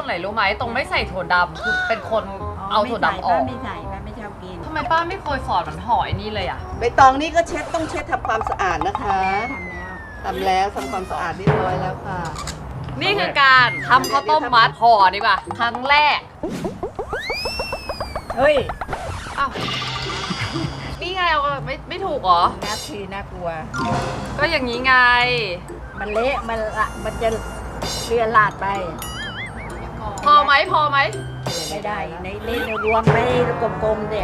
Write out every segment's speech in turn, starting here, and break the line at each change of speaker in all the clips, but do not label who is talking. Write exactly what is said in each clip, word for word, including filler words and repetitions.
ไหนรู้ไหมตรงไม่ใส่ถั่วดำคือเป็นคนเอาถั่วดำออก
ไม่ใส่ป้าไม่ชอบกิน
ทำไมป้าไม่เคยสอนมันห่อไอ้นี่เลยอ่ะ
ใบตองนี่ก็เช็ดต้องเช็ดทำความสะอาดนะคะ
ทำแล้ว
ทำแล้วทำความสะอาดเรียบร้อยแล้วค่ะ
นี่คือการทำข้าวต้มมัดห่อดีกว่าครั้งแรก
เฮ้ย
อ้าวนี่ไงเอาไม่ไม่ถูกเหรอ
น่าทีน่ากลัว
ก็อย่างนี้ไง
มันเละมันละมันจะเลือนลาดไป
พอไหมพอไหม
ไม่ได้ในเล่นรวมไปกลมๆเด็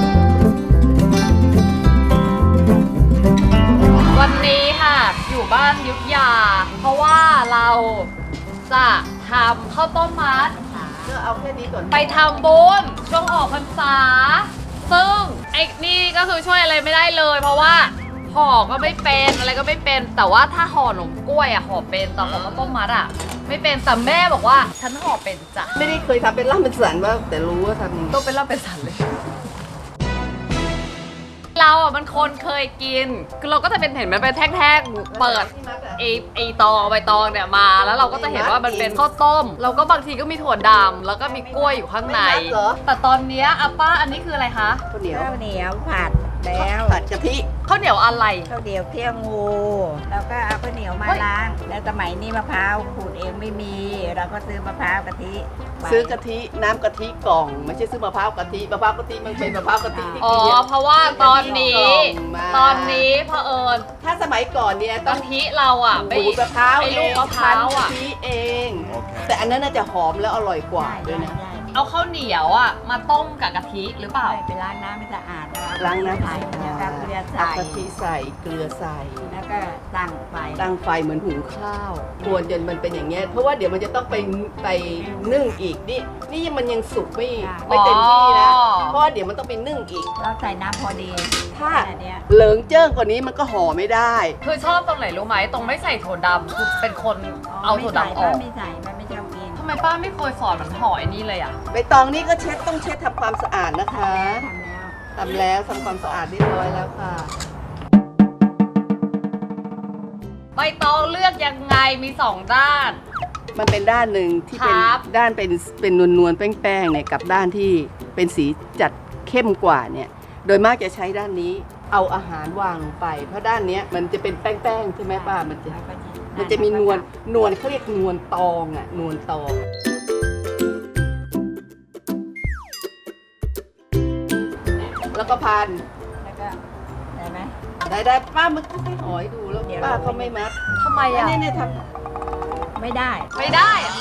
วันนี้ค่ะอยู่บ้านยุทธยา เพราะว่าเราจะทำข้าวต้มมัด
ก็เอาแค่นี้ก่อน
ไปทำบุญช่วงออกพรรษา ซึ่งไอ้นี่ก็คือช่วยอะไรไม่ได้เลย เพราะว่าห่อก็ไม่เป็นอะไรก็ไม่เป็นแต่ว่าถ้าห่อหนมกล้วยอะห่อเป็นแต่ห่อข้าวต้มมัดอะไม่เป็นแต่แม่บอกว่าฉันห่อเป็นจ้ะ
ไม่ได้เคยทำเป็นล่ำเป็นสันว่าแต่รู้ว่าทำยังไง
ต้องเป็นเล่าเป็นสันเลย เราอ่ะมันคนเคยกินคือเราก็จะเป็นเห็นมันเป็นแท่งๆเปิดไอไอตองใบตองเนี่ยมาแล้วเราก็จะเห็นว่ามันเป็นข้าวต้มเราก็บางทีก็มีถั่วดำแล้วก็มีกล้วยอยู่ข้างในแต่ตอนเนี้ยอาป้าอันนี้คืออะไรคะ
ข้าวเหนียว
ข้าวเหนียวผัดแล้ว
ผัดกะทิ
ข้าวเหนียวอะไร
ข้าวเหนียวเที่ยวงู แล้วก็เอาข้าวเหนียวมา
เฮ้ย
ล้างแล้วสมัยนี้มะพร้าวขูดเองไม่มี เราก็ซื้อมะพร้าวกะทิไป
ซื้อกะทิน้ำกะทิกล่อง ไม่ใช่ซื้อมะพร้าวกะทิมะพร้าวกะทิมันเป็นมะพร้าวกะทิที่
อ๋อ
กินเนี่ย
เพราะว่าตอนนี้
มา
ตอนนี้เผอิญ
ถ้าสมัยก่อนเนี่ยต้
กะ
อง
ทิเราอ่ะไป
ขูดมะพร้าว
ไอ้
เอ
ลูก
ง
มะพร้าวอ่ะ
คั้นกะทิเอง แต่อันนั้นน่าจะหอมแล้วอร่อยกว่า
ได้
ด้วยนะ
ได้
เอาข้าวเหนียวอ่ะมาต้มกับกะทิหรือเปล่า
ได้ไปล้างน้ำให้สะอาดแล้ว
ล้างน้ำ
ใส่
ใส่
แล้วก็เกลือ
เอา
ใส่
กะทิใส่เกลือใส่
แล้วก็ตั้งไฟ
ตั้งไฟเหมือนหุงข้าวควรจนมันเป็นอย่างเงี้ยเพราะว่าเดี๋ยวมันจะต้องไปไปนึ่งอีกนี่นี่มันยังสุกไม่ไม่เต็มที่นะ
อ๋อ
เพราะว่าเดี๋ยวมันต้องไปนึ่งอีก
เราใส่น้ำพอดี
ถ้า
แค่เนี้ย
เหลิงเจิ้งกว่านี้มันก็ห่อไม่ได้
คือชอบตรงไหนรู้ไหมตรงไม่ใส่ถั่วดำคือเป็นคนเอาถั่วดำออก
ไม่ใส่ป้าไม่ชอบกิน
ทำไมป้าไม่เคยสอนมันห่อไอ้นี่เลยอ่ะ
ใบตองนี่ก็เช็ดต้องเช็ดทำความสะอาดนะคะ
ทำแล้ว
ทำแล้วทำความสะอาดเรียบร้อยแล้วค่ะ
ใบตองเลือกยังไงมีสองด้าน
มันเป็นด้านหนึ่งที่เป็น
ครับ
ด้านเป็นเป็นนวลนวลๆแป้งๆเนี่ยกับด้านที่เป็นสีจัดเข้มกว่าเนี่ยโดยมากจะใช้ด้านนี้เอาอาหารวางลงไป เพราะด้านเนี้ยมันจะเป็นแป้งๆใช่ไหมป้ามันจะ
แล้วก็
มันจะมีนวลนวลเขาเรียกนวลตองอ่ะนวลตองแล้วก็พัน
แล้วก็ได้ไหม
ได้ได้ป้ามันก็ให้หอยดูแล้ว
เดี๋ยว
ป้าก็ไม่มัด
ทำไมอ่ะ
เนี่ยเนี่ยท
ไม่ได้
ไม่ได้อะ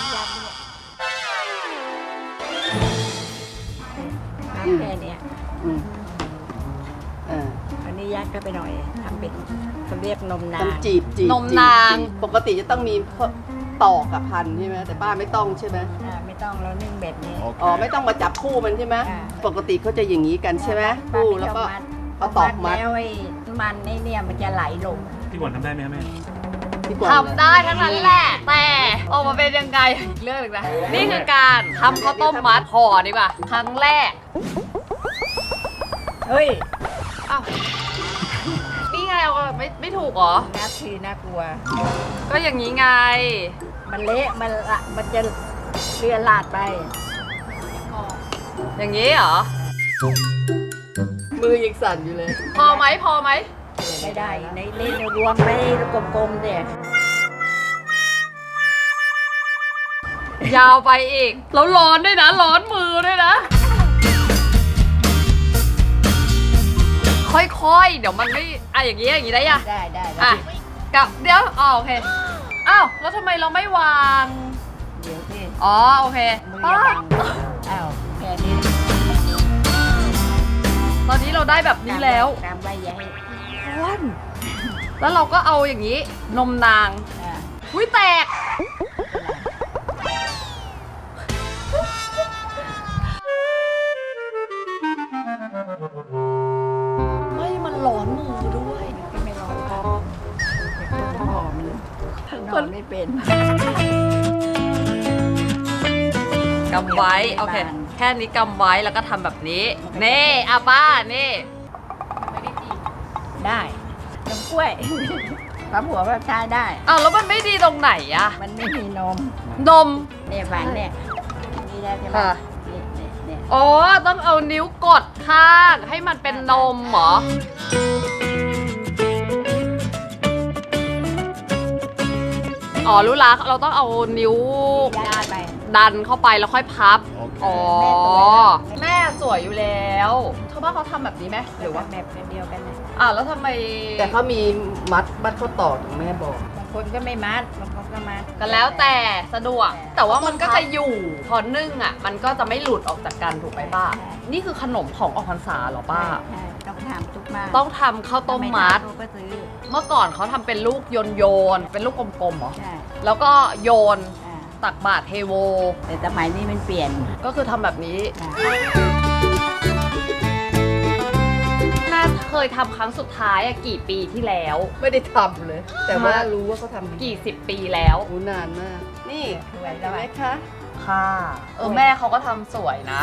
ทำแค่เนี้ย
ำอืมเออ
อันนี้ยัดก็ไปหน่อยทำเป็นเขาเรียกนมนา
ต้องจีบจีบ
นมนาง
จีบปกติจะต้องมีตอกกับพันใช่ไหมแต่ป้าไม่ต้องใช่ไหม
อ่าไม่ต้องเรานึ่งแบบนี้
อ๋อไม่ต้องมาจับคู่มันใช่ไหม
อ่า
ปกติเขาจะอย่างนี้กันใช่ไหมคู่แล้วก็ เอาตอกมัด
แล้วไอ้มันไอ้เนี่ยมันจะไหลลง
พี่หวนทำได้ไหมครับแม่
พี่กวาง
ทำได้ทั้งนั้นแหละ แต่ออกมาเป็นยังไงอีกเรื่องหนึงนะ นี่คือการทำข้าวต้มมัดห่อดีกว่าครั้งแรก
เฮ้ย
อ้าวนี่ไงเอาไม่ไม่ถูกเหรอ
น่าทีน่ากลัว
ก็อย่างนี้ไง
มันเละมันละมันจะเลือนลาดไป
อย่างนี้เหรอ
มือยังสั่นอยู่เลย
พอไหมพอไหม
ไม่ได้ในเล่นรวมไปกลมๆเด็
ยาวไปอีก แล้วร้อนด้วยนะ ร้อนมือด้วยนะ ค่อยๆ เดี๋ยวมันไม่อ่ะอย่างนี้อย่างนี้ได้ยัง
ได้ได้ได้
อ่ะกับเดี๋ยวอ๋อโอเค อ้าว แล้วทำไมเราไม่วาง
เดี๋ยวสิ
อ๋อ โอเค
มือ
ป้า
อย่าบังอ้าวแค่นี้
ตอนนี้เราได้แบบนี้แล้ว
ตามใบใหญ่
วันแล้วเราก็เอาอย่างนี้ นมนาง
อ่า
อุ้ยแตก ไม่มันร้อนมือด้วย
ก็ไม่ร้อนครับหอมนอนไม่เป็น
กำไว้ โอเค แค่นี้กำไว้แล้วก็ทำแบบนี้ เน่อาป้า นี่
ได้นมกล้วย ปั๊มหัวแบบชายได้
อ้าวแล้วมันไม่ดีตรงไหนอะ
มันไม่มีนม
นม
เนี่ยฝันเนี่ยงี้ยใช่ไหม
ค่ะ
นี่นี่เนี่ย
อ๋อต้องเอานิ้วกดข้างให้มันเป็นนมเหรออ๋อรู้ละเราต้องเอานิ้ว
ย่าดไป
ดันเข้าไปแล้วค่อยพับ อ๋อ
แม่สวยนะ
แม่สวยอยู่แล้วชาวบ้านเขาทำแบบนี้ไหมห
ห
รื
รือ อ
ว่า
ว่าแบบเดียวกันนะ
อ่าวแล้วทำไม
แต่เขามีมัดมัดข้อต่อถึงแม่บอก
บางคนก็ไม่มัดบางคนก็มัด
ก็แล้วแต่สะดวก แต่ว่ามันก็จะอยู่พอนึ่งอ่ะ มันก็จะไม่หลุดออกจากกันถูกไหมป้า นี่คือขนมของออกพรรษาเหรอป้า
ใช่ต้องทำทุกบ้าน
ต้องทำข้าวต้มมัด
ถ้าไทำก็ซื้อ
เมื่อก่อนเขาทำเป็นลูกโยนโยนๆเป็นลูกกลมๆเหรอ
ใช่
แล้วก็โยน
อ่า
ตักบาตรเทโว
แต่สมัยนี้มันเปลี่ยน
ก็คือทำแบบนี้
อ่า
แม่เคยทำครั้งสุดท้ายอะกี่ปีที่แล้ว
ไม่ได้ทำเลย แต่ว่ารู้ว่าเขาทำ
กี่สิบปีแล้ว
โอ้นานมาก นี่
สวย
เห็
แล้
น
ว
ไหม
อะ
คะ
ค่ะ เออแม่เขาก็ทำสวยนะ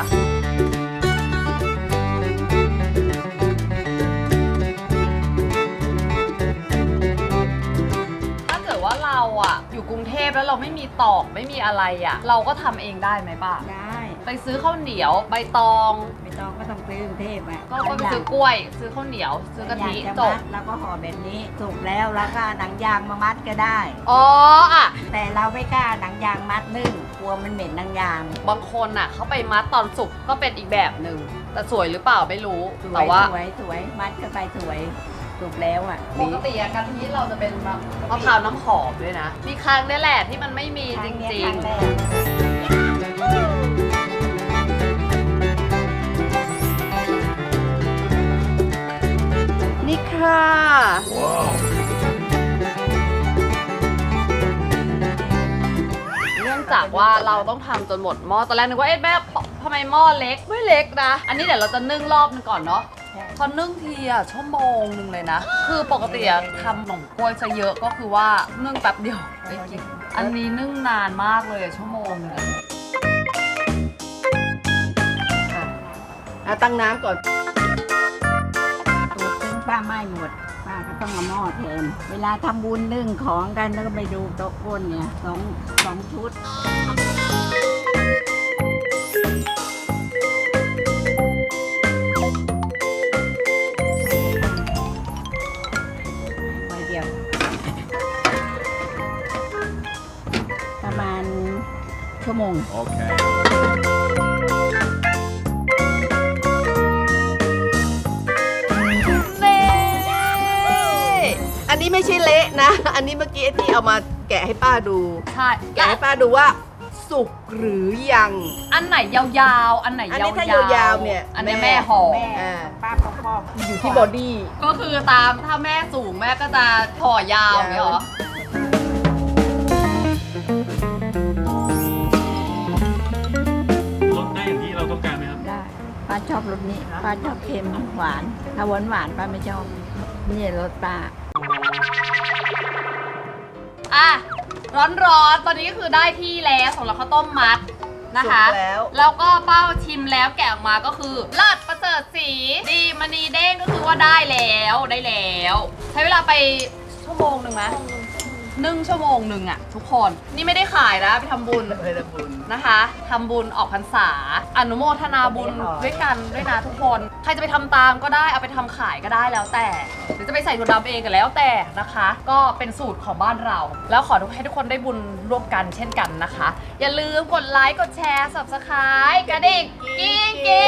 ถ้าเกิดว่าเราอะอยู่กรุงเทพแล้วเราไม่มีตอกไม่มีอะไรอะเราก็ทำเองได้ไหมป้า
ได้
ไปซื้อข้าวเหนียวใบตอง
ไม่ต้องก็ต้องซื้อกรุงเทพอ่ะ
ก็ไปซื้อกล้วย ซื้อข้าวเหนียว ซื้อกะทิ
อยาก
จ
จะ
บ
มัดแล้วก็ห่อแบบนี้สุกแล้วแล้วก็หนังยางมามัดก็ได้
อ๋ออะ
แต่เราไม่กล้าหนังยางมัดนึ่งกลัวมันเหม็นหนังยาง
บางคนน่ะเขาไปมัดตอนสุกก็เป็นอีกแบบหนึ่งแต่สวยหรือเปล่าไม่รู้
สว
แต่
ย
ว่า
สวยสวยมัดก็ไปสวยสุกแล้วอ่ะ
ปกติอะกะทิเราจะเป็นมะมะพร้าวน้ำหอมด้วยนะ มีครั้งนี่แหละที่มันไม่มี
ค
จ
รั้งเนี้ย
ริ
ค
ง
รั้งแรก
นี่ค่ะ
ๆ เนื่องจากว่าเราต้องทำจนหมดหม้อตอนแรกนึกว่าเอ๊ะแม่ทำไมหม้อเล็กไม่เล็กนะ อันนี้เดี๋ยวเราจะนึ่งรอบนึงก่อนเนาะ
ใช่
พอนึ่งทีอะชั่วโมงหนึ่งเลยนะ คือปกติอะทำขนมกล้วยซะเยอะก็คือว่านึ่งแป๊บเดียวได้กินอันนี้นึ่งนานมากเลยอะชั่วโมงหนึงอะ
อ่ะอ่ะตั้งน้ำก่อน
ตูดซึ่งป้าไม่หมดป้าก็ต้องเอาหม้อแทนเวลาทำบุญนึ่งของกันแล้วก็ไปดูโต๊ะก้นเนี่ยสองสองชุดไว้เดียว ประมาณชั่วโมง
Okay.
นี่
อันนี้ไม่ใช่เละนะ อันนี้เมื่อกี้ที่เอามาแกะให้ป้าดู
ใช่
แกะให้ป้าดูว่าสุกหรือยัง
อันไหนยาวๆ อันไหน
อัน
ยา
นี้
ว
ถ้า
ๆ
ยาวๆเนี่ย
อันนี้
แม่
แม่ห่อ
แม่
อ่า
ป้าปอกปอก
อยู่ที่บอดี้
ก็คือตามถ้าแม่สูงแม่ก็จะห่อยาวอย่างเงี้ยเหรอ
ลดได้อย่างที่เราต้องการไหมครับ
ได้ป้าชอบรสนี้ป้าชอบเค็มหวาน ถ้าหวานหวานป้าไม่ชอบนี่รสป้า
อ่ะ ร้อนๆ ตอนนี้ก็คือได้ที่แล้วสำหรับข้าวต้มมัดนะคะ
สุกแล้ว
แล้วก็เป้าชิมแล้วแกะออกมาก็คือเลิศประเสริฐสีดีมณีเด้งก็คือว่าได้แล้วได้แล้ว ใช้เวลาไปชั่วโมงหนึ่งไหมนึ่งชั่วโมงหนึ่งอะทุกคนนี่ไม่ได้ขายนะไปทำบุญ
เลยนะบุญ
นะคะทำบุญออกพรรษา อนุโมทนาบุญด้วยกันด้วยนะทุกคนใครจะไปทำตามก็ได้เอาไปทำขายก็ได้แล้วแต่หรือจะไปใส่ถั่วดำเองก็แล้วแต่นะคะ ก็เป็นสูตรของบ้านเรา แล้วขอให้ทุกคนได้บุญร่วมกันเช่นกันนะคะ อย่าลืมกดไลค์กดแชร์ ซับสไครบ์ กระดิ่งกิ๊งกิ๊ง